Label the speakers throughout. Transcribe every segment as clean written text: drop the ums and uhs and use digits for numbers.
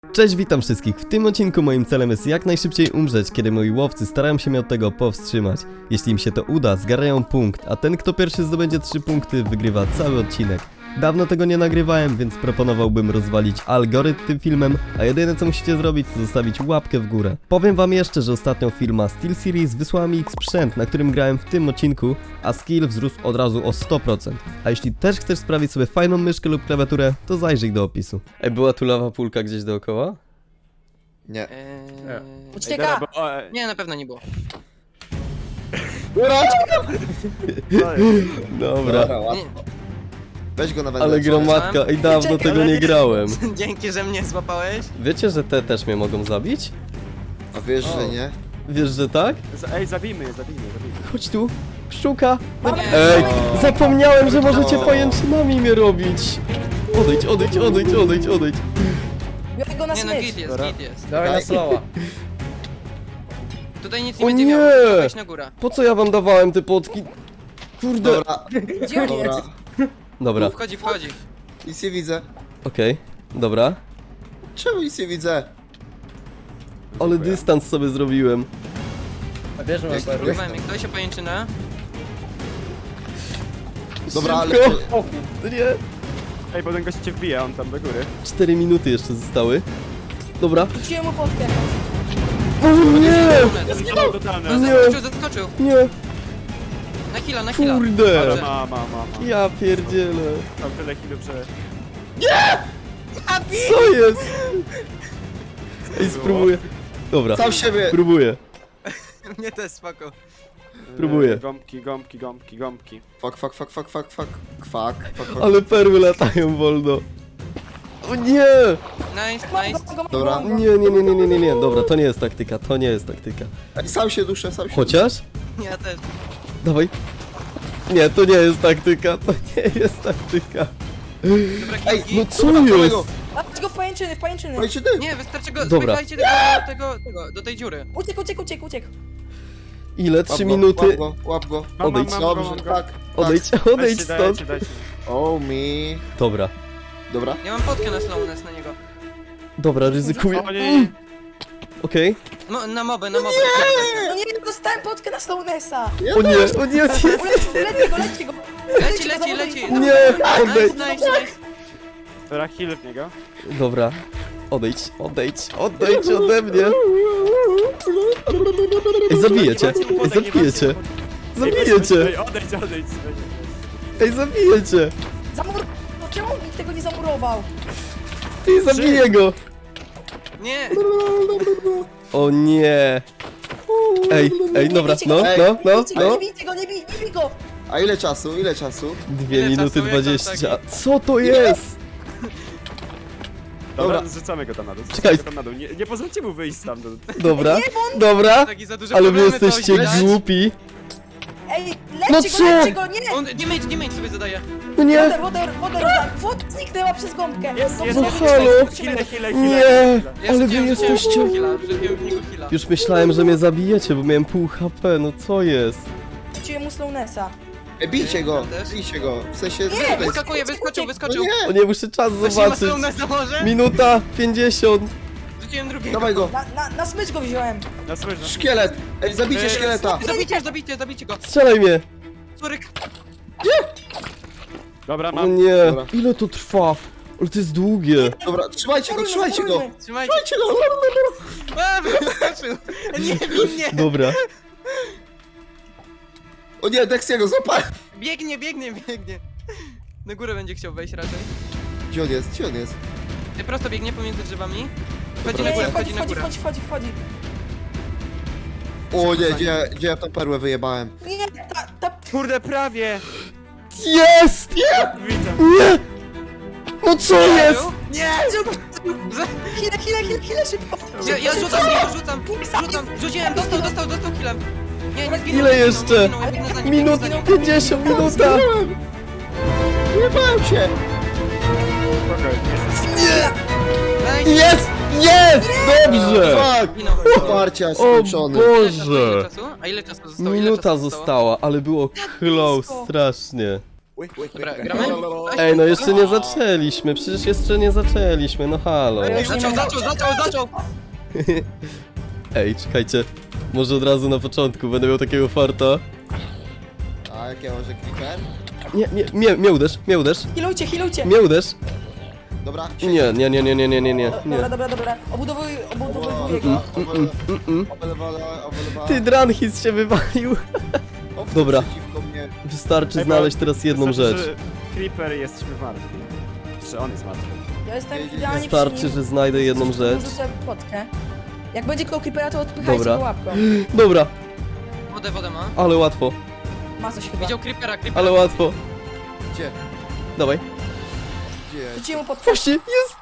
Speaker 1: Cześć, witam wszystkich. W tym odcinku moim celem jest jak najszybciej umrzeć, kiedy moi łowcy starają się mnie od tego powstrzymać. Jeśli im się to uda, zgarają punkt, a ten kto pierwszy zdobędzie 3 punkty wygrywa cały odcinek. Dawno tego nie nagrywałem, więc proponowałbym rozwalić algorytm tym filmem, a jedyne co musicie zrobić to zostawić łapkę w górę. Powiem wam jeszcze, że ostatnio firma SteelSeries wysłała mi ich sprzęt, na którym grałem w tym odcinku, a skill wzrósł od razu o 100%. A jeśli też chcesz sprawić sobie fajną myszkę lub klawiaturę, to zajrzyj do opisu. Ej, była tu lawa pulka gdzieś dookoła?
Speaker 2: Nie.
Speaker 3: Ucieka!
Speaker 4: Nie, na pewno nie było.
Speaker 1: Dobra.
Speaker 4: Nie.
Speaker 2: Weź go nawet.
Speaker 1: Ale gromadka, ej, dawno
Speaker 3: Czekaj,
Speaker 1: tego nie grałem.
Speaker 4: Dzięki, że mnie złapałeś.
Speaker 1: Wiecie, że te też mnie mogą zabić?
Speaker 2: A wiesz, że nie?
Speaker 1: Wiesz, że tak?
Speaker 5: Ej, zabijmy je.
Speaker 1: Chodź tu, pszczółka.
Speaker 4: Nie.
Speaker 1: Ej, zapomniałem, że możecie pajęczynami mnie robić. Odejdź.
Speaker 3: Biorę go na
Speaker 4: Nie no,
Speaker 3: smycz.
Speaker 4: git jest,
Speaker 5: Dobra.
Speaker 4: git jest.
Speaker 2: Dawaj na slowa.
Speaker 4: Tutaj nic
Speaker 1: O
Speaker 4: nie będzie
Speaker 1: nie!
Speaker 4: miał, musisz wejść na górę.
Speaker 1: Po co ja wam dawałem te potki? Kurde.
Speaker 2: Dobra,
Speaker 3: Gdzie on
Speaker 2: dobra.
Speaker 3: jest?
Speaker 1: Dobra,
Speaker 4: Wchodzi.
Speaker 2: Nic nie widzę.
Speaker 1: okej, dobra.
Speaker 2: Czemu nic nie widzę?
Speaker 1: Ale dystans sobie zrobiłem.
Speaker 4: Próbowałem, jak ktoś się pajęczynę.
Speaker 2: Dobra, ale...
Speaker 1: Szybko. Nie.
Speaker 5: Ej, bo ten gość cię wbija, on tam do góry.
Speaker 1: 4 minuty jeszcze zostały. Dobra.
Speaker 3: Rzuciłem mu potkę.
Speaker 1: O nie!
Speaker 5: Zginął totalny.
Speaker 4: Zaskoczył.
Speaker 1: Nie,
Speaker 4: Na chwilę.
Speaker 1: kurde.
Speaker 5: Ale ma.
Speaker 1: Ja pierdzielę.
Speaker 5: Tam tyle chwilę, że...
Speaker 1: Co jest? Ej, spróbuję. Dobra,
Speaker 2: Sam siebie!
Speaker 1: próbuję.
Speaker 4: Mnie też spoko.
Speaker 1: Próbuję.
Speaker 5: Gąbki.
Speaker 2: Kwak.
Speaker 1: Ale perły latają wolno. O nie!
Speaker 4: Nice.
Speaker 2: Dobra.
Speaker 1: Nie. Dobra, to nie jest taktyka,
Speaker 2: Ej, sam się duszę.
Speaker 1: Chociaż?
Speaker 4: Ja też.
Speaker 1: Dawaj. Nie, to nie jest taktyka.
Speaker 4: Dobra,
Speaker 2: Ej,
Speaker 4: kilki.
Speaker 1: No co
Speaker 2: Dobra,
Speaker 1: jest?
Speaker 2: kolego.
Speaker 3: Dać go w pajęczyny.
Speaker 2: Słuchajcie, ty!
Speaker 4: Nie, wystarczy go,
Speaker 1: Dobra.
Speaker 4: spychajcie tego, do tej dziury.
Speaker 3: Uciekł.
Speaker 1: Ile? 3 minuty?
Speaker 2: Łap go.
Speaker 1: Odejdź.
Speaker 2: Dobrze, tak.
Speaker 1: Odejdź stąd.
Speaker 5: Dajcie.
Speaker 2: Oh me.
Speaker 1: Dobra,
Speaker 2: Dobra.
Speaker 4: Ja mam potkę na slowness na niego.
Speaker 1: dobra, ryzykuję.
Speaker 5: O nie.
Speaker 1: Okej.
Speaker 4: Na mobę.
Speaker 3: No nie, dostałem potkę na Slownessa.
Speaker 1: O nie.
Speaker 3: Leci go.
Speaker 4: Leci.
Speaker 1: Nie, odejdź.
Speaker 4: Nice.
Speaker 5: Dobra, heal w niego.
Speaker 1: Dobra. Odejdź ode mnie. Ej, zabijecie.
Speaker 5: Ej, odejdź.
Speaker 1: Ej, zabijecie.
Speaker 3: No czemu nikt tego nie zamurował?
Speaker 1: Ej, zabiję go.
Speaker 4: Nie.
Speaker 1: O nie. Ej, dobra, no.
Speaker 3: Nie bij go.
Speaker 2: A ile czasu?
Speaker 1: 2
Speaker 4: Ile
Speaker 1: minuty
Speaker 4: czasu jest
Speaker 1: 20.
Speaker 4: tam
Speaker 1: Co to jest?
Speaker 5: Dobra, zrzucamy go tam na dół.
Speaker 1: Czekaj.
Speaker 5: Nie pozwólcie mu wyjść stamtąd.
Speaker 1: Dobra.
Speaker 4: Taki za duży
Speaker 1: Ale wy
Speaker 4: problemy, to
Speaker 1: jesteście
Speaker 4: źle.
Speaker 1: głupi.
Speaker 3: Ej,
Speaker 1: No
Speaker 3: leci
Speaker 1: co?
Speaker 3: go, nie.
Speaker 4: On damage sobie zadaje.
Speaker 1: No nie.
Speaker 3: Woda zniknęła przez gąbkę.
Speaker 5: Jest.
Speaker 1: No halo.
Speaker 5: Heal.
Speaker 1: Nie. Ale wy
Speaker 4: Rzuciłem
Speaker 1: jesteście...
Speaker 4: w niego heala.
Speaker 1: Już myślałem, że mnie zabijecie, bo miałem pół HP. No co jest?
Speaker 3: Rzuciłem mu Slownessa.
Speaker 2: Ej, bijcie go.
Speaker 4: Też?
Speaker 2: W sensie...
Speaker 4: Wyskakuje, wyskoczył.
Speaker 2: No
Speaker 1: O nie, muszę czas
Speaker 4: Weź
Speaker 1: zobaczyć.
Speaker 4: na może?
Speaker 1: Minuta 50.
Speaker 4: Rzuciłem drugiego.
Speaker 2: Dawaj go.
Speaker 3: Na smycz go wziąłem.
Speaker 5: Na smyrze.
Speaker 2: Szkielet. Ej, zabijcie szkieleta.
Speaker 4: Zabijcie go.
Speaker 1: Strzelaj mnie.
Speaker 4: Suryk.
Speaker 5: Dobra,
Speaker 1: O
Speaker 5: mam.
Speaker 1: nie.
Speaker 2: Dobra.
Speaker 1: Ile to trwa? Ale to jest długie.
Speaker 2: Dobra, trzymajcie go.
Speaker 4: Trzymajcie.
Speaker 2: Trzymajcie go.
Speaker 4: A, wyskoczył. Nie, biegnie.
Speaker 1: Dobra.
Speaker 2: O nie, Dexiego, złapałem.
Speaker 4: Biegnie. Na górę będzie chciał wejść raczej.
Speaker 2: Gdzie on jest?
Speaker 4: Prosto biegnie pomiędzy drzewami. Wchodzi
Speaker 3: Nie,
Speaker 4: na górę,
Speaker 3: wchodzi.
Speaker 2: O nie, gdzie ja tą perłę wyjebałem?
Speaker 3: Nie, ta...
Speaker 5: Kurde, prawie!
Speaker 1: Jest!
Speaker 5: Widzę.
Speaker 1: Nie! No co jest?
Speaker 4: Nie!
Speaker 3: Chwilę, szybko.
Speaker 4: Ja rzucam. Rzuciłem, dostał killem. Nie zginął.
Speaker 1: Ile jeszcze?
Speaker 4: Minut
Speaker 1: 50, minuta!
Speaker 2: Wyjebałem się.
Speaker 1: Jest! Jest! Dobrze!
Speaker 2: Fuck! Parcia
Speaker 1: O
Speaker 2: skończony.
Speaker 1: Boże!
Speaker 4: A ile czasu zostało?
Speaker 1: Minuta została, ale było close
Speaker 3: blisko.
Speaker 1: strasznie.
Speaker 4: Dobra, gramy?
Speaker 1: Ej, no jeszcze nie zaczęliśmy, przecież jeszcze nie zaczęliśmy, no halo.
Speaker 4: Zaczął!
Speaker 1: Ej, czekajcie, może od razu na początku będę miał takiego farta.
Speaker 2: A jakie może creeper?
Speaker 1: Nie, mnie uderz,
Speaker 3: Healujcie.
Speaker 1: mnie uderz.
Speaker 2: Dobra,
Speaker 1: Nie.
Speaker 3: Dobra. Obudowuję go.
Speaker 1: Ty, Dranhis się wywalił. Dobra.
Speaker 2: Przeciwko mnie.
Speaker 1: Wystarczy znaleźć teraz jedną rzecz.
Speaker 5: Creeper jesteśmy martwi. Czy on jest martwy?
Speaker 3: Ja jestem idealnie przy
Speaker 1: Wystarczy,
Speaker 3: nim.
Speaker 1: że znajdę jedną rzecz.
Speaker 3: Rzucę potkę. Jak będzie koło creepera, to odpychajcie
Speaker 1: Dobra.
Speaker 3: go łapką.
Speaker 1: Dobra,
Speaker 4: Wodę ma.
Speaker 1: ale łatwo,
Speaker 3: Ma coś chyba.
Speaker 4: Widział creepera.
Speaker 1: ale łatwo.
Speaker 2: Gdzie?
Speaker 1: Dawaj.
Speaker 2: Gdzie?
Speaker 3: Rzuciłem mu potkę.
Speaker 1: Właśnie, jest!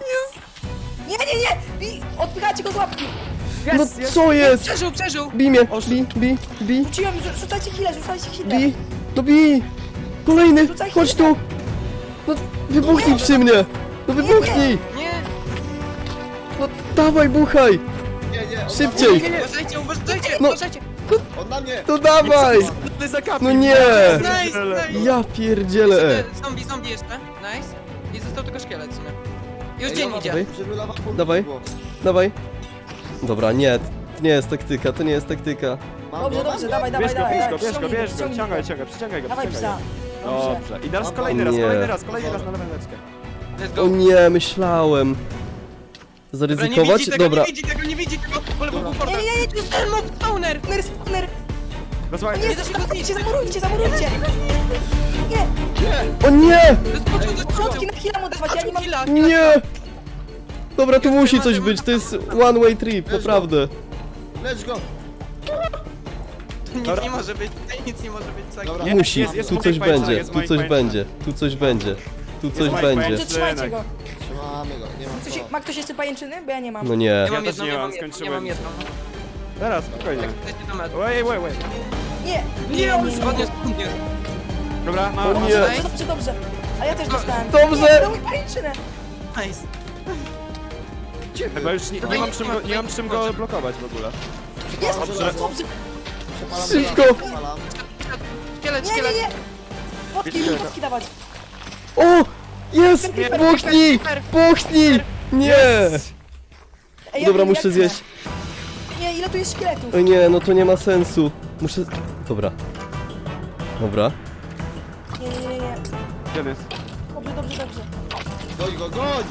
Speaker 3: Nie! Odpychajcie go z łapki.
Speaker 1: No co jest?
Speaker 4: Przeżył!
Speaker 1: Bij mnie, bij.
Speaker 3: Rzuciłem, rzucajcie healę.
Speaker 1: Bij! No bij! Kolejny!
Speaker 3: Rzucaj
Speaker 1: Chodź
Speaker 3: chwilę.
Speaker 1: tu! No wybuchnij przy mnie! No wybuchnij!
Speaker 4: Nie!
Speaker 1: No dawaj, buchaj!
Speaker 2: Nie,
Speaker 1: Szybciej!
Speaker 4: Uważajcie!
Speaker 1: No.
Speaker 2: On na mnie!
Speaker 1: To dawaj!
Speaker 5: Ty zakapił!
Speaker 1: No nie!
Speaker 4: Nice!
Speaker 1: Ja pierdzielę!
Speaker 4: Zombie jeszcze. Nice. I został tylko szkielet w sumie. Już
Speaker 2: Ej,
Speaker 4: dzień
Speaker 2: dobra,
Speaker 4: idzie.
Speaker 2: żeby lawa punktu
Speaker 1: Dawaj.
Speaker 2: było.
Speaker 1: Dawaj! Dobra, nie, to nie jest taktyka, to nie jest taktyka.
Speaker 2: Mam
Speaker 3: Dobrze,
Speaker 2: go?
Speaker 3: dawaj.
Speaker 5: Bierz go,
Speaker 3: Ściągnij
Speaker 5: ciągaj, przyciągaj go.
Speaker 3: Dawaj psa.
Speaker 5: Dobrze. I teraz
Speaker 2: Mam
Speaker 5: kolejny
Speaker 1: go.
Speaker 5: raz,
Speaker 1: Nie.
Speaker 5: kolejny raz na leweczkę.
Speaker 4: Let's
Speaker 1: O
Speaker 4: go.
Speaker 1: nie, myślałem.
Speaker 4: Dobra,
Speaker 1: Zaryzykować? Dobra.
Speaker 4: nie widzi tego, pole był
Speaker 3: Nie,
Speaker 4: portal.
Speaker 3: to jest
Speaker 4: Ten mob spawner!
Speaker 3: spawner.
Speaker 5: Posłuchaj,
Speaker 3: Nie, zamurujcie. Nie,
Speaker 1: O nie!
Speaker 4: Doskoczył!
Speaker 3: środki na heal'a mu dawać, ja nie mam...
Speaker 4: Killa.
Speaker 1: Nie! Dobra, tu musi coś być, to jest one way trip, naprawdę.
Speaker 2: Lecz go!
Speaker 4: Nic nie może być, nic nie może być. Tak.
Speaker 2: Dobra.
Speaker 1: Musi,
Speaker 5: jest
Speaker 1: tu
Speaker 5: moich
Speaker 1: coś
Speaker 5: pajęczynek,
Speaker 1: będzie,
Speaker 5: jest
Speaker 1: tu
Speaker 5: moich
Speaker 1: coś
Speaker 5: pajęczynek.
Speaker 1: będzie, tu coś będzie, tu coś
Speaker 5: moich
Speaker 1: będzie.
Speaker 5: pajęczynek.
Speaker 3: Trzymajcie go.
Speaker 2: Trzymamy go, nie ma co.
Speaker 3: Ma ktoś jeszcze pajęczyny? Bo ja nie mam.
Speaker 1: No nie.
Speaker 4: Ja mam
Speaker 5: też
Speaker 4: jedną,
Speaker 5: nie
Speaker 4: ja
Speaker 5: mam,
Speaker 4: mam jedną, ja
Speaker 5: skończyłem.
Speaker 4: mam jedną.
Speaker 5: Teraz, spokojnie.
Speaker 4: Jesteście do metu.
Speaker 5: Wait.
Speaker 3: Nie,
Speaker 4: Podniósł.
Speaker 5: Dobra,
Speaker 1: O nie.
Speaker 3: Dobrze. A ja też dostałem.
Speaker 1: Dobrze.
Speaker 3: Nie, dał mi pajęczynę.
Speaker 4: Nice.
Speaker 5: Chyba już nie mam czym go blokować w ogóle.
Speaker 3: Jest,
Speaker 5: Dobrze.
Speaker 3: dobrze.
Speaker 2: Przepalam
Speaker 1: Szybko.
Speaker 2: go, przepalam.
Speaker 4: Szkielet,
Speaker 3: Nie.
Speaker 4: szkielet.
Speaker 3: Potki dawać.
Speaker 1: O! Jest! Buchnij! Buchnij! Nie!
Speaker 3: Ej,
Speaker 1: Dobra,
Speaker 3: ja
Speaker 1: muszę
Speaker 3: tnę.
Speaker 1: zjeść.
Speaker 3: Nie, ile tu jest szkieletów?
Speaker 1: O nie, no to nie ma sensu. Muszę... Dobra. Dobra.
Speaker 3: Nie.
Speaker 5: Gdzie on jest?
Speaker 3: Dobrze.
Speaker 2: Goń go, goń!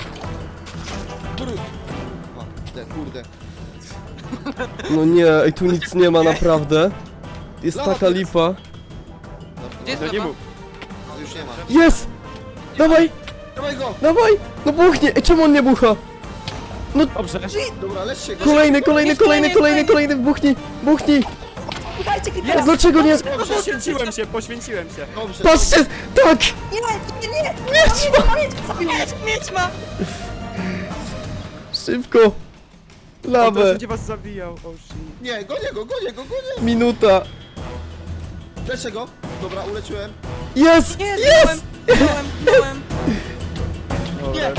Speaker 2: Kurde.
Speaker 1: No nie, ej, tu nic nie ma naprawdę. Jest taka lipa.
Speaker 4: Gdzie jest
Speaker 5: No nie
Speaker 4: lewa?
Speaker 5: mów.
Speaker 2: No już nie ma.
Speaker 1: Jest! Dawaj!
Speaker 2: Dawaj go!
Speaker 1: Dawaj! No buchnie! Ej, czemu on nie bucha?
Speaker 5: Dobrze.
Speaker 2: Dobra, leczcie go.
Speaker 1: Kolejny, buchnij!
Speaker 3: Udajcie creepera.
Speaker 1: Dlaczego nie?
Speaker 5: Poświęciłem się.
Speaker 2: Dobrze.
Speaker 1: Patrzcie! Tak!
Speaker 3: Nie.
Speaker 4: Mieć ma!
Speaker 1: Szybko!
Speaker 5: On
Speaker 1: Lawę!
Speaker 5: będzie was zabijał, oh shit.
Speaker 2: Nie, gonię go.
Speaker 1: Minuta!
Speaker 2: Leczę go. Dobra, uleczyłem.
Speaker 1: Jest!
Speaker 4: Jest! Byłem!
Speaker 2: Nie.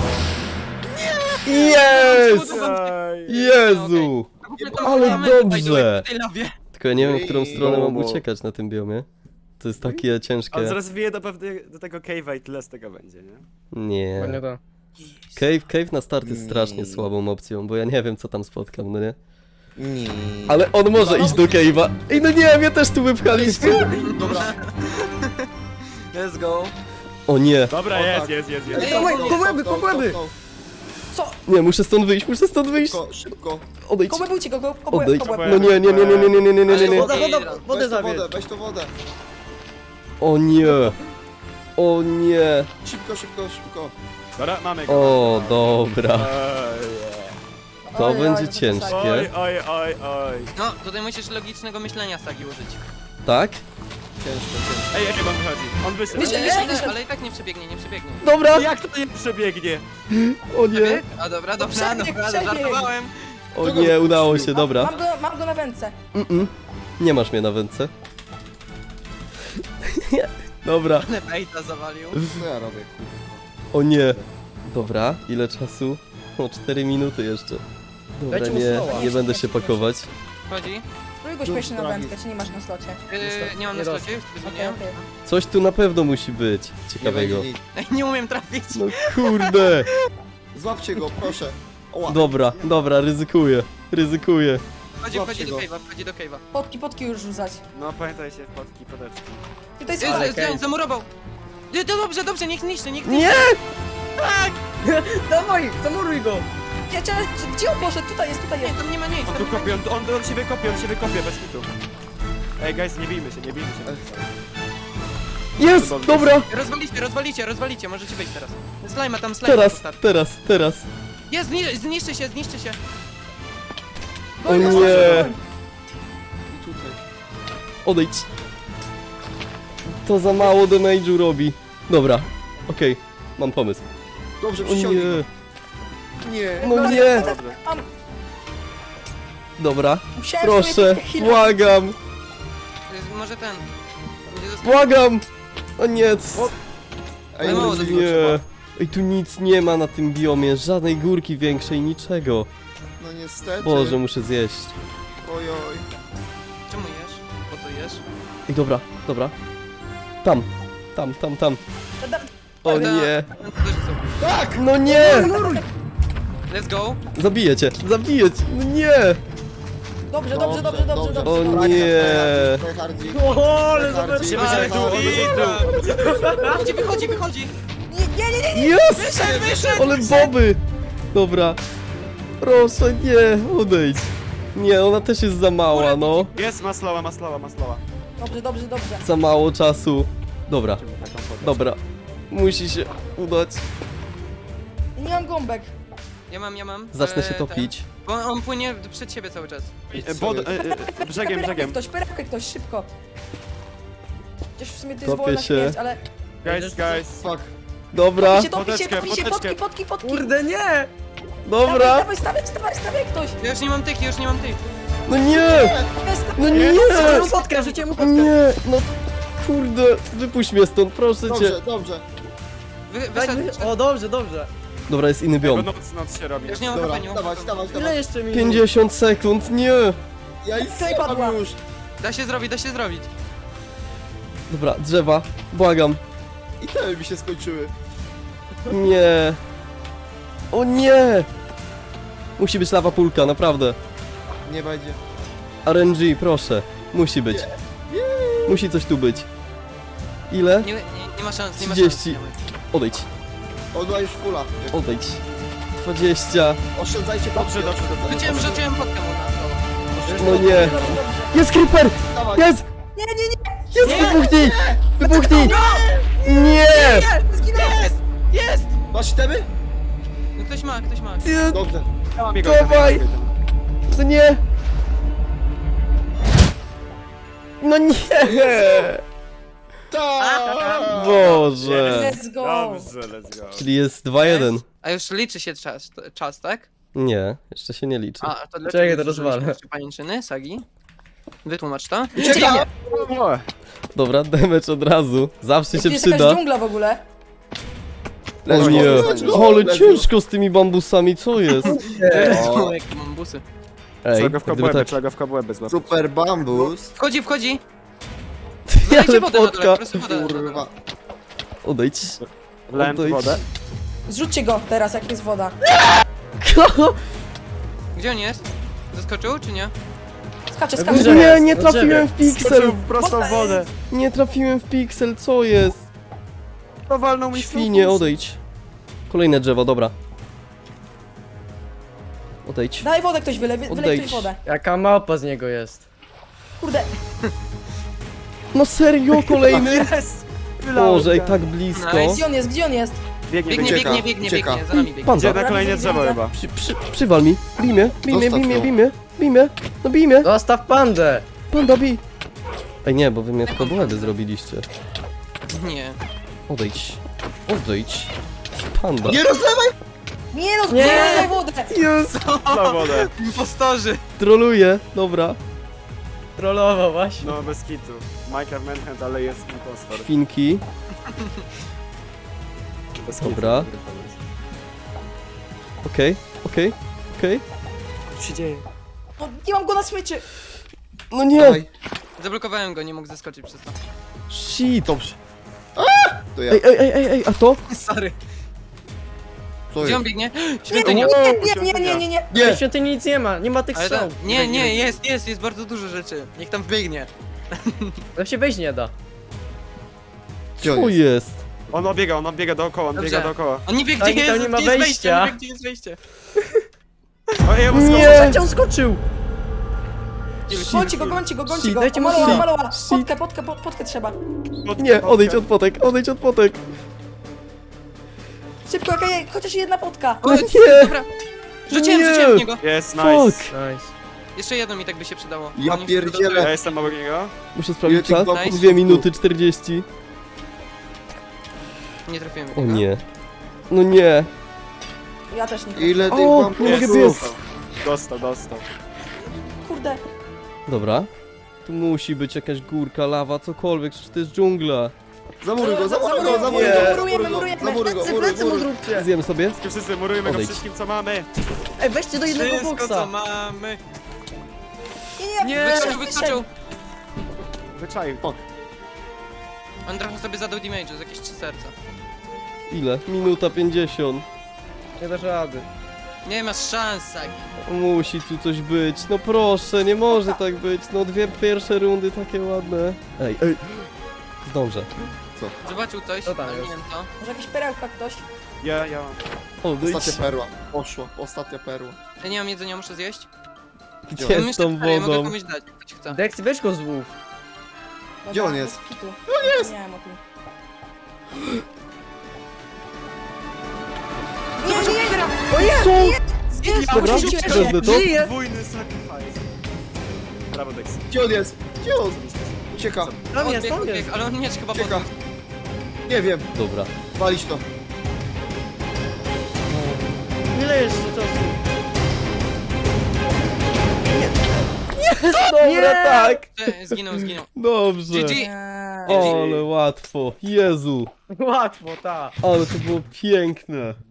Speaker 1: Jest!
Speaker 5: Aj.
Speaker 1: Jezu! Ale dobrze!
Speaker 4: W tej lawie.
Speaker 1: Tylko ja nie wiem, w którą stronę mam
Speaker 2: Bobo.
Speaker 1: uciekać na tym biomie. To jest takie
Speaker 5: On
Speaker 1: ciężkie.
Speaker 5: zaraz wije do tego cave'a i tyle z tego będzie, nie?
Speaker 1: Nie. Cave na start jest strasznie słabą opcją, bo ja nie wiem, co tam spotkam, no nie?
Speaker 2: Nie.
Speaker 1: Ale on może iść do cave'a. Ej, no nie, mnie też tu wypchaliście.
Speaker 2: Dobra.
Speaker 4: Let's go.
Speaker 1: O nie.
Speaker 5: Dobra,
Speaker 2: O,
Speaker 5: jest,
Speaker 2: tak.
Speaker 5: jest.
Speaker 1: Kobłęby!
Speaker 3: Co?
Speaker 1: Nie, muszę stąd wyjść.
Speaker 2: Szybko.
Speaker 1: Odejdź.
Speaker 3: Kobłębujcie go,
Speaker 1: Odejdź.
Speaker 3: kobłęb.
Speaker 1: No nie.
Speaker 2: Wodę zabierz. Weź to wodę.
Speaker 1: O nie. O nie.
Speaker 2: Szybko.
Speaker 5: Dobra, mamy go.
Speaker 1: O, dobra.
Speaker 5: Oj,
Speaker 1: To
Speaker 3: Oj,
Speaker 1: będzie
Speaker 3: oj,
Speaker 1: ciężkie.
Speaker 5: oj.
Speaker 4: No, tutaj musisz logicznego myślenia Sagi użyć.
Speaker 1: Tak?
Speaker 2: Ciężko.
Speaker 5: Ej, on wychodzi. On wyszedł.
Speaker 3: Wyszedł.
Speaker 4: Ale i tak nie przebiegnie.
Speaker 1: Dobra.
Speaker 5: Jak to nie przebiegnie?
Speaker 1: O nie.
Speaker 4: A dobra,
Speaker 3: Przebieg.
Speaker 4: żartowałem.
Speaker 1: O nie, udało się, dobra.
Speaker 3: Mam go na wędce.
Speaker 1: Nie masz mnie na wędce. Dobra.
Speaker 4: Ale bejta zawalił.
Speaker 2: Co ja robię, kurwa?
Speaker 1: O nie. Dobra, ile czasu? O, 4 minuty jeszcze. Dobra, nie będę się pakować.
Speaker 4: Chodzi?
Speaker 3: Spróbuj go śmiesznie na wędkę, czy nie masz na slocie?
Speaker 4: Nie mam na slocie, już sobie
Speaker 3: Okej,
Speaker 4: zmieniłem.
Speaker 3: okej.
Speaker 1: Coś tu na pewno musi być ciekawego.
Speaker 4: Ej, nie umiem trafić.
Speaker 1: No kurde.
Speaker 2: Złapcie go, proszę. Oła.
Speaker 1: Dobra, ryzykuję.
Speaker 4: Wchodzi
Speaker 2: Złapcie
Speaker 4: do
Speaker 2: go.
Speaker 4: cave'a, wchodzi do cave'a.
Speaker 3: Potki już rzucać.
Speaker 5: No pamiętajcie, wpadki, podeczki.
Speaker 3: Tutaj
Speaker 4: Jest,
Speaker 3: jest
Speaker 4: jest, zamurował. Dobrze, niech niszczy.
Speaker 1: Nie!
Speaker 6: Dawaj, zamuruj go!
Speaker 3: Gdzie on poszedł? Tutaj jest.
Speaker 4: Nie, tam nie ma nic.
Speaker 5: On
Speaker 4: tam
Speaker 5: tu
Speaker 4: nie ma
Speaker 5: kopie,
Speaker 4: nic.
Speaker 5: on się wykopie, bez kitu. Ej guys, nie bijmy się.
Speaker 1: Jest! Dobra!
Speaker 4: Rozwalicie, możecie wyjść teraz. Slajma tam, slajma.
Speaker 1: Teraz.
Speaker 4: Jest, zniszczy się.
Speaker 1: O nie!
Speaker 2: I tutaj.
Speaker 1: Odejdź. To za mało damage'u robi. Dobra, okej, mam pomysł.
Speaker 2: Dobrze,
Speaker 1: O
Speaker 2: przyciągnij
Speaker 1: nie,
Speaker 2: go. Nie.
Speaker 1: no nie!
Speaker 5: Dobrze.
Speaker 1: Dobra,
Speaker 3: Musiałem
Speaker 1: proszę,
Speaker 3: sobie chwilę.
Speaker 1: błagam,
Speaker 4: Może ten. Będzie został.
Speaker 1: błagam! O nie,
Speaker 2: Ej,
Speaker 4: mało
Speaker 2: będzie
Speaker 4: zabiło,
Speaker 1: nie. Ej, tu nic nie ma na tym biomie, żadnej górki większej, niczego.
Speaker 2: No niestety.
Speaker 1: Boże, muszę zjeść.
Speaker 2: Ojoj.
Speaker 4: Czemu jesz? Po co jesz?
Speaker 1: Ej, dobra. Tam. O nie,
Speaker 2: Tak!
Speaker 1: no nie!
Speaker 4: Let's go.
Speaker 1: Zabiję cię, no nie!
Speaker 3: Dobrze.
Speaker 1: O nie!
Speaker 2: Tryhardzik.
Speaker 6: O, ale
Speaker 2: Tryhardzik.
Speaker 5: Się będzie tu.
Speaker 4: Wychodzi.
Speaker 3: Nie.
Speaker 1: Jest! Ale boby! Dobra. Proszę, nie, odejdź. Nie, ona też jest za mała, no.
Speaker 5: Jest, maslowa.
Speaker 3: Dobrze.
Speaker 1: Za mało czasu. Dobra,
Speaker 5: Taką podeczkę.
Speaker 1: dobra. Musi się udać.
Speaker 3: Nie mam gąbek.
Speaker 4: Ja mam.
Speaker 1: Zacznę się topić.
Speaker 4: Bo on płynie przed siebie cały czas.
Speaker 5: Brzegiem.
Speaker 3: Pyrapkę ktoś, szybko. Gdzieś w sumie to jest
Speaker 1: Kopię
Speaker 3: wolna
Speaker 1: się.
Speaker 3: śmierć, ale...
Speaker 5: Guys.
Speaker 2: Fuck.
Speaker 1: Dobra,
Speaker 3: Topi się,
Speaker 5: Podeczkę.
Speaker 3: potki.
Speaker 6: Kurde, nie!
Speaker 1: dobra.
Speaker 3: Dawaj, stawiaj ktoś.
Speaker 4: Ja już nie mam tych.
Speaker 1: No nie!
Speaker 3: Jest.
Speaker 1: No nie!
Speaker 6: Rzuciłem mu fotkę.
Speaker 1: Nie! No kurde, wypuść mnie stąd, proszę cię.
Speaker 2: Dobrze.
Speaker 4: Wyszedł.
Speaker 6: O, dobrze.
Speaker 1: Dobra, jest inny
Speaker 5: Bo
Speaker 1: biom.
Speaker 5: noc się robi.
Speaker 4: Już nie mam
Speaker 2: Dobra,
Speaker 4: HP, nie mam
Speaker 2: dawać.
Speaker 6: Ile jeszcze mi?
Speaker 1: 50 sekund, nie!
Speaker 2: Ja i
Speaker 3: Klej padła.
Speaker 2: już.
Speaker 4: Da się zrobić.
Speaker 1: Dobra, drzewa, błagam.
Speaker 2: I te mi się skończyły.
Speaker 1: Nie. O nie! Musi być lawa pulka, naprawdę.
Speaker 2: Nie będzie.
Speaker 1: RNG, proszę. Musi być. Musi coś tu być. Ile?
Speaker 4: Nie ma szans,
Speaker 1: 30. Odejdź,
Speaker 2: Odła już fula.
Speaker 1: odejdź. 20.
Speaker 2: Oszczędzajcie
Speaker 5: Dobrze.
Speaker 4: Rzuciłem podkę mu na to.
Speaker 1: No nie. Jest creeper!
Speaker 2: Dawaj.
Speaker 1: Jest!
Speaker 3: Nie.
Speaker 1: Jest! Wybuchnij! Nie!
Speaker 4: Jest!
Speaker 2: Masz temy?
Speaker 4: No ktoś ma.
Speaker 1: Nie!
Speaker 2: Dobrze.
Speaker 5: Ja mam jego
Speaker 1: Dawaj! To nie! No nie!
Speaker 2: Tak!
Speaker 1: Boże!
Speaker 3: Let's go.
Speaker 5: Dobrze, let's go.
Speaker 1: Czyli jest 2-1.
Speaker 4: A już liczy się czas, tak?
Speaker 1: Nie, jeszcze się nie liczy.
Speaker 4: A to dlaczego
Speaker 6: Czekaj, to
Speaker 4: nie
Speaker 6: rozwalę.
Speaker 4: zużyłeś pajęczyny, Sagi? Wytłumacz to.
Speaker 2: Uciekam!
Speaker 5: O,
Speaker 1: Dobra, damage od razu. Zawsze
Speaker 3: Tu
Speaker 1: się
Speaker 3: jest jakaś
Speaker 1: przyda.
Speaker 3: dżungla w ogóle.
Speaker 1: O nie!
Speaker 2: Let's go.
Speaker 1: Ale ciężko z tymi bambusami, co jest?
Speaker 4: O, jakie mam busy.
Speaker 1: Ej,
Speaker 5: Trzeba go w
Speaker 1: gdyby
Speaker 5: kobłęby,
Speaker 1: tak...
Speaker 5: trzeba go w kobłęby złapać.
Speaker 2: Super bambus.
Speaker 4: Wchodzi!
Speaker 1: Ale
Speaker 4: Dajcie wodę na dole,
Speaker 1: płotka!
Speaker 4: po prostu wodę na dole.
Speaker 2: Kurwa.
Speaker 1: Odejdź.
Speaker 5: Wlałem tu
Speaker 1: Odejdź.
Speaker 5: wodę.
Speaker 3: Zrzućcie go teraz, jak jest woda.
Speaker 4: Gdzie on jest? Zaskoczył, czy nie?
Speaker 3: Skacze.
Speaker 1: Nie, nie trafiłem w piksel!
Speaker 5: Skoczył prosto w wodę.
Speaker 1: Nie trafiłem w piksel, co jest?
Speaker 5: To walnął mi
Speaker 1: Świnie, odejdź. Kolejne drzewo, dobra. Odejdź.
Speaker 3: Daj wodę ktoś, wylej
Speaker 1: Odejdź.
Speaker 3: ktoś wodę.
Speaker 6: Jaka małpa z niego jest.
Speaker 3: Kurde,
Speaker 1: No serio, kolejny?
Speaker 5: Jest! Wylałem
Speaker 1: Boże, i
Speaker 5: go.
Speaker 1: tak blisko.
Speaker 4: Nice.
Speaker 3: gdzie on jest?
Speaker 5: Biegnie,
Speaker 4: Biegnie,
Speaker 5: biegnie.
Speaker 2: Ucieka.
Speaker 4: za nami biegnie.
Speaker 1: Panda,
Speaker 5: Idzie na kolejne drzewo chyba.
Speaker 1: przywal mi. Bij mnie,
Speaker 2: Zostaw ją.
Speaker 1: bij mnie. No bij mnie.
Speaker 6: Zostaw pandę!
Speaker 1: Panda, bij. Ej nie, bo wy mnie tylko błędy zrobiliście.
Speaker 4: Nie.
Speaker 1: Odejdź. Panda.
Speaker 2: Nie rozlewaj!
Speaker 3: Nie no,
Speaker 6: Nie.
Speaker 3: daj wodę!
Speaker 1: Jest.
Speaker 5: Na wodę.
Speaker 4: Impostorzy!
Speaker 1: Troluję, dobra.
Speaker 6: Trollował właśnie.
Speaker 5: No bez kitu. Minecraft Manhunt, ale jest impostor.
Speaker 1: Świnki.
Speaker 5: Bez kitu.
Speaker 1: Dobra. Okej.
Speaker 5: Co się dzieje?
Speaker 3: No, nie mam go na smyczy!
Speaker 1: No nie!
Speaker 2: Dawaj.
Speaker 4: Zablokowałem go, nie mógł zeskoczyć przez to.
Speaker 1: Shit!
Speaker 2: Dobrze. To ja.
Speaker 1: Ej, a to?
Speaker 4: Sorry.
Speaker 2: Co
Speaker 4: Gdzie on
Speaker 2: jest?
Speaker 4: biegnie? Świątynia.
Speaker 3: Nie.
Speaker 6: W świątyni nic nie ma, nie ma tych
Speaker 4: Ale
Speaker 6: strzał.
Speaker 4: nie, jest bardzo dużo rzeczy. Niech tam wbiegnie.
Speaker 6: Tam się wejść nie da.
Speaker 2: Gdzie on
Speaker 1: Co
Speaker 2: jest?
Speaker 1: jest?
Speaker 5: On biega dookoła, on
Speaker 4: Dobrze.
Speaker 5: biega dookoła.
Speaker 4: On nie wie,
Speaker 6: Tak,
Speaker 4: gdzie
Speaker 6: i tam
Speaker 4: jest,
Speaker 6: nie ma
Speaker 4: gdzie jest
Speaker 6: wejścia.
Speaker 4: wejście. On nie wie, gdzie jest wejście.
Speaker 5: O, ja mu
Speaker 1: Nie!
Speaker 6: Trzecie on skoczył!
Speaker 3: Gońcie go.
Speaker 1: Shit,
Speaker 6: dajcie mu
Speaker 3: Maloła.
Speaker 6: shit.
Speaker 3: Potkę trzeba.
Speaker 1: Nie, odejdź od potek!
Speaker 3: Szybko, okej, chociaż jedna potka.
Speaker 4: O,
Speaker 1: nie.
Speaker 4: Dobra. Rzuciłem w niego.
Speaker 5: Jest,
Speaker 1: Fuck!
Speaker 5: nice.
Speaker 6: Nice.
Speaker 4: Jeszcze jedno mi tak by się przydało.
Speaker 2: Ja
Speaker 4: Oni
Speaker 2: pierdzielę.
Speaker 5: Ja jestem obok niego.
Speaker 1: Muszę
Speaker 2: Ile
Speaker 1: sprawdzić
Speaker 2: tych
Speaker 1: czas.
Speaker 2: bloków
Speaker 1: 2
Speaker 2: tu?
Speaker 1: minuty 40.
Speaker 4: Nie trafiłem.
Speaker 1: O nie. No nie.
Speaker 3: Ja też nie.
Speaker 2: Ile tych
Speaker 1: O,
Speaker 2: bombów?
Speaker 1: nie mogę
Speaker 5: Jest.
Speaker 1: biec.
Speaker 5: Dostał.
Speaker 3: Kurde.
Speaker 1: Dobra. Tu musi być jakaś górka, lawa, cokolwiek, przecież to jest dżungla.
Speaker 2: Zamuruj go.
Speaker 6: Plecy mu zróbcie!
Speaker 1: Zjem sobie?
Speaker 5: Wszyscy murujmy go
Speaker 1: Odejdź.
Speaker 5: wszystkim, co mamy.
Speaker 6: Ej, weźcie do jednego
Speaker 4: Wszystko, co
Speaker 6: boksa!
Speaker 4: mamy.
Speaker 3: Nie.
Speaker 4: Wyskoczył.
Speaker 5: Wyczaił.
Speaker 4: On trochę sobie zadał damage'u z jakieś 3 serca.
Speaker 1: Ile? Minuta 50.
Speaker 6: Nie dasz rady.
Speaker 4: Nie masz szans, Sagi.
Speaker 1: Musi tu coś być. No proszę, nie może tak być. No 2 pierwsze rundy takie ładne. Ej. Zdążę.
Speaker 4: Zobaczył coś,
Speaker 6: Co tam
Speaker 4: ale nie
Speaker 6: jest?
Speaker 4: wiem co.
Speaker 3: Może jakaś perełka ktoś?
Speaker 5: Ja.
Speaker 1: Odejdź.
Speaker 2: Ostatnia perła. Poszło. Ostatnia perła.
Speaker 4: Ja nie mam jedzenia, muszę zjeść.
Speaker 1: Gdzie
Speaker 4: Ja
Speaker 1: z tą
Speaker 4: ja mogę
Speaker 1: wodą?
Speaker 4: komuś dać, jak ktoś chce.
Speaker 6: Dex, weź go złów.
Speaker 2: Gdzie on jest?
Speaker 3: Kitu. On jest! Nie wiem o tym.
Speaker 1: Dobra, wezmę to.
Speaker 5: Podwójny sacrifice. Brawo, Dex.
Speaker 2: Gdzie on jest? Gdzie on? Ucieka.
Speaker 6: Tam jest,
Speaker 4: Odbiegł,
Speaker 6: tam jest.
Speaker 4: odbiegł, ale on miecz chyba
Speaker 2: Ucieka.
Speaker 4: podniósł.
Speaker 2: Nie wiem.
Speaker 1: Dobra.
Speaker 2: Walić to.
Speaker 6: Ile jeszcze czasu?
Speaker 1: Dobra, tak.
Speaker 4: Zginął.
Speaker 1: Dobrze.
Speaker 4: GG.
Speaker 3: Nie.
Speaker 1: Ale łatwo. Jezu.
Speaker 6: Łatwo, tak.
Speaker 1: Ale to było piękne.